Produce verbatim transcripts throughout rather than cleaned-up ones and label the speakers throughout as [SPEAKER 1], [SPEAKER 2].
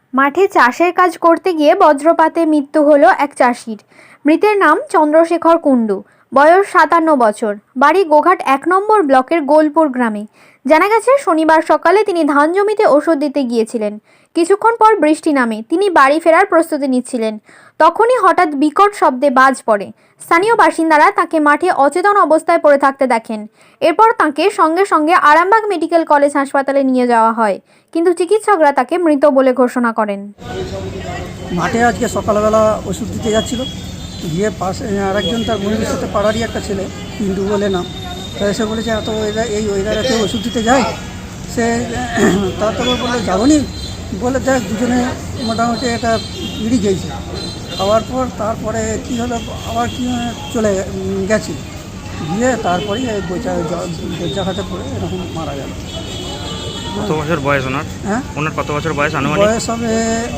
[SPEAKER 1] মাঠে চাষের কাজ করতে গিয়ে বজ্রপাতে মৃত্যু হলো এক চাষির। মৃতের নাম চন্দ্রশেখর কুণ্ডু, বয়স সাতান্ন বছর, বাড়ি গোঘাট এক নম্বর ব্লকের গোলপুর গ্রামে। জানা গেছে শনিবার সকালে তিনি ধান জমিতে ওষুধ দিতে গিয়েছিলেন। কিছুক্ষণ পর বৃষ্টি নামে, তিনি বাড়ি ফেরার প্রস্তুতি নিচ্ছিলেন। তখনই হঠাৎ বিকট শব্দে বাজ পড়ে। স্থানীয় বাসিন্দারা তাকে মাঠে অচেতন অবস্থায় পড়ে থাকতে দেখেন। এরপর তাকে সঙ্গে সঙ্গে আরামবাগ মেডিকেল কলেজ হাসপাতালে নিয়ে যাওয়া হয়, কিন্তু চিকিৎসকরা তাকে মৃত বলে ঘোষণা করেন।
[SPEAKER 2] মাঠে আজকে সকালবেলা ওষুধ দিতে যাচ্ছিল, গিয়ে পাশে আরেকজন তার বন্ধুর সাথে পাড়ারই একটা ছেলে কিন্তু বলে না, তা এসে বলেছে এত ওয়েদার এই ওয়েদারেতে ওষুধ দিতে যায়। সে তারপরে বলে যাবো নি, বলে দেখ দুজনে মোটামুটি একটা ইড়ি গেছে। খাওয়ার পর তারপরে কী হলো, আবার কি চলে গেছি, গিয়ে তারপরেই এই বইচা বৈচাঘাটে পড়ে এরকম মারা গেল।
[SPEAKER 3] কত বছর বয়স ওনার?
[SPEAKER 2] হ্যাঁ,
[SPEAKER 3] ওনার কত বছর বয়স আনুমানিক?
[SPEAKER 2] বয়স হবে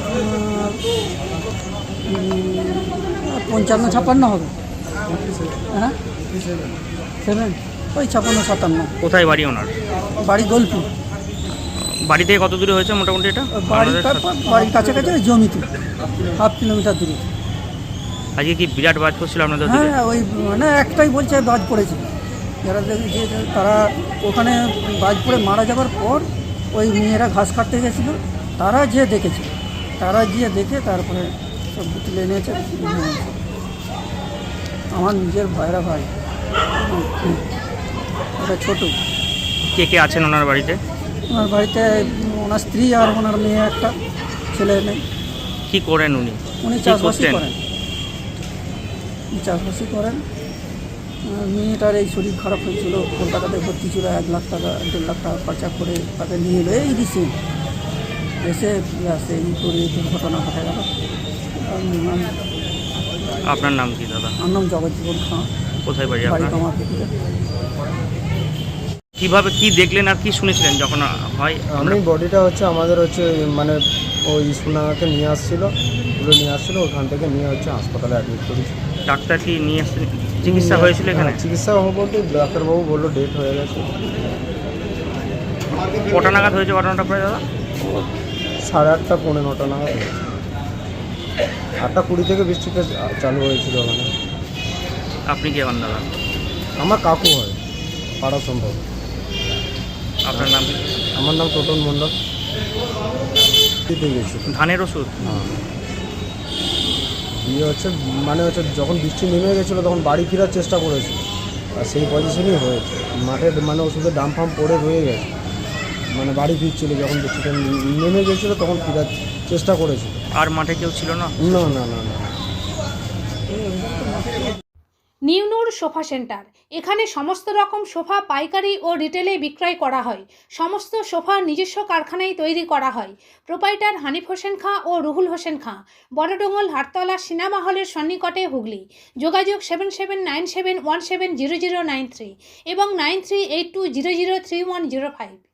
[SPEAKER 2] পঞ্চান্ন ছাপ্পান্ন হবে। হ্যাঁ, সেভেন ওই ছাপ্পান্ন সাতান্ন।
[SPEAKER 3] কোথায় বাড়ি ওনার?
[SPEAKER 2] বাড়ি গোলপুর।
[SPEAKER 3] বাড়ি থেকে কত দূরে হয়েছে মোটামুটি এটা?
[SPEAKER 2] বাড়ির বাড়ির কাছাকাছি জমিতে হাফ কিলোমিটার দূরে।
[SPEAKER 3] আজকে কি বিরাট বাজ পড়ছিল আপনাদের?
[SPEAKER 2] হ্যাঁ, ওই মানে একটাই বলছে বাজ পড়েছে। যারা দেখেছে তারা ওখানে বাজ পড়ে মারা যাবার পর ওই মেয়েরা ঘাস কাটতে গেছিলো, তারা যে দেখেছে, তারা গিয়ে দেখে তারপরে সব তুলে এনেছে। আমার নিজের ভাইরা ভাই, ওটা ছোটো।
[SPEAKER 3] কে কে আছেন ওনার বাড়িতে?
[SPEAKER 2] ওনার বাড়িতে ওনার স্ত্রী আর ওনার মেয়ে, একটা ছেলে নেই।
[SPEAKER 3] কি করেন উনি?
[SPEAKER 2] উনি চাষবাসই করেন, চাষবাসই করেন। মেয়েটার এই শরীর খারাপ হয়েছিল, কলকাতাতে ভর্তি ছিল, এক লাখ টাকা দেড় লাখ টাকা খরচা করে তাকে নিয়ে এলো এই রিসেন্ট এসে আসে এই করে দুর্ঘটনা ঘটে গেল।
[SPEAKER 3] আপনার নাম কি দাদা?
[SPEAKER 2] আমার নাম জগজ্জীবন খাঁ।
[SPEAKER 3] কোথায় বাড়ি
[SPEAKER 2] বাড়ি
[SPEAKER 3] আপনার?
[SPEAKER 2] আমার পেটে।
[SPEAKER 3] কিভাবে কি দেখলেন আর কি শুনেছিলেন যখন হয়?
[SPEAKER 4] আমি বডিটা হচ্ছে আমাদের হচ্ছে মানে ওই সুনাগাকে নিয়ে আসছিলো, তুলে নিয়ে আসছিলো, ওখান থেকে নিয়ে হচ্ছে হাসপাতালে অ্যাডমিট করেছি।
[SPEAKER 3] ডাক্তার কি নিয়ে আসছেন? চিকিৎসা হয়েছিল এখানে?
[SPEAKER 4] চিকিৎসা হবো বলতে ডাক্তারবাবু বললো ডেট হয়ে গেছে।
[SPEAKER 3] কটা নাগাদ হয়েছে ঘটনাটা প্রায় দাদা?
[SPEAKER 4] সাড়ে আটটা পৌনে নটা নাগাদ হয়েছে। আটটা কুড়ি থেকে বৃষ্টিটা চালু হয়েছিল ওখানে।
[SPEAKER 3] আপনি কে হন দাদা?
[SPEAKER 4] আমার কাকু হয়, পাড়া সম্ভব।
[SPEAKER 3] আপনার নাম কি?
[SPEAKER 4] আমার নাম টোটন মণ্ডল। দিতে গেছি
[SPEAKER 3] ধানের ওষুধ?
[SPEAKER 4] হ্যাঁ, ইয়ে হচ্ছে মানে হচ্ছে যখন বৃষ্টি নেমে গেছিলো তখন বাড়ি ফেরার চেষ্টা করেছিল, আর সেই পজিশনই হয়েছে। মাঠে মানে ওষুধের দাম ফাম পড়ে রয়ে গেছে, মানে বাড়ি ফিরছিল যখন বৃষ্টিটা নেমে গেছিলো তখন ফেরার চেষ্টা করেছিল।
[SPEAKER 3] আর মাঠে কেউ ছিল না?
[SPEAKER 4] না না না না।
[SPEAKER 5] নিউনুর সোফা সেন্টার, এখানে সমস্ত রকম সোফা পাইকারি ও রিটেলে বিক্রয় করা হয়। সমস্ত সোফা নিজস্ব কারখানায় তৈরি করা হয়। প্রোপাইটার হানিফ হোসেন খাঁ ও রুহুল হোসেন খাঁ, বড়ডোঙ্গল হাটতলা সিনেমা হলের সন্নিকটে, হুগলি। যোগাযোগ seven seven nine seven one seven zero zero nine three এবং nine three eight two zero zero three one zero five.